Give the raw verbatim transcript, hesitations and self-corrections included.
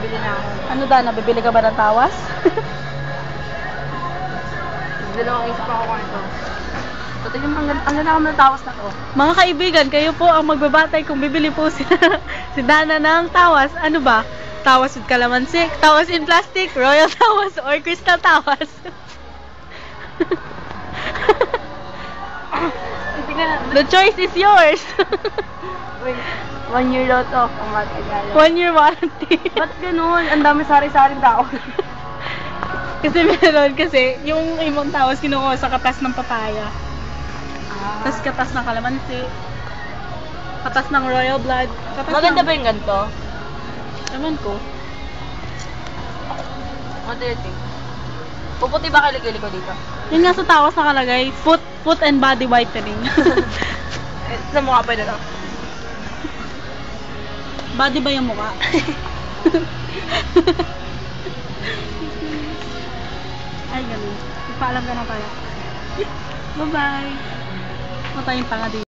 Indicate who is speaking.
Speaker 1: bibili na ako.
Speaker 2: Ano da, nabibili ka ba ng tawas?
Speaker 1: Dalawang isip ako kung ito. So, tingnan mo, ang ganda, ang ganda ako ng tawas na to.
Speaker 2: Mga kaibigan, kayo po ang magbabatay kung bibili po si, si Dana ng tawas. Ano ba? Tawas with calamansi, tawas in plastic, royal tawas, or crystal tawas. The choice is yours.
Speaker 1: Wait, one year daw to. Ang matagal.
Speaker 2: One year warranty.
Speaker 1: Ba't ganun? Ang dami sari-saring tao.
Speaker 2: Kasi meron kasi, yung ibang tawas kinukuha sa katas ng papaya.
Speaker 1: Ah.
Speaker 2: Tapos katas ng kalamansi. Katas ng royal blood. Katas
Speaker 1: Maganda
Speaker 2: ng...
Speaker 1: ba yung ganito?
Speaker 2: Ewan ko.
Speaker 1: What do you think? Puputi ba kilikili ko dito?
Speaker 2: Yun nga sa tawas nakalagay, foot, foot and body whitening.
Speaker 1: Eh, sa mukha pa na lang.
Speaker 2: Body ba yung mukha? Ay, ganun. Ipaalam ka na tayo. Bye-bye. Matayong tanga dito.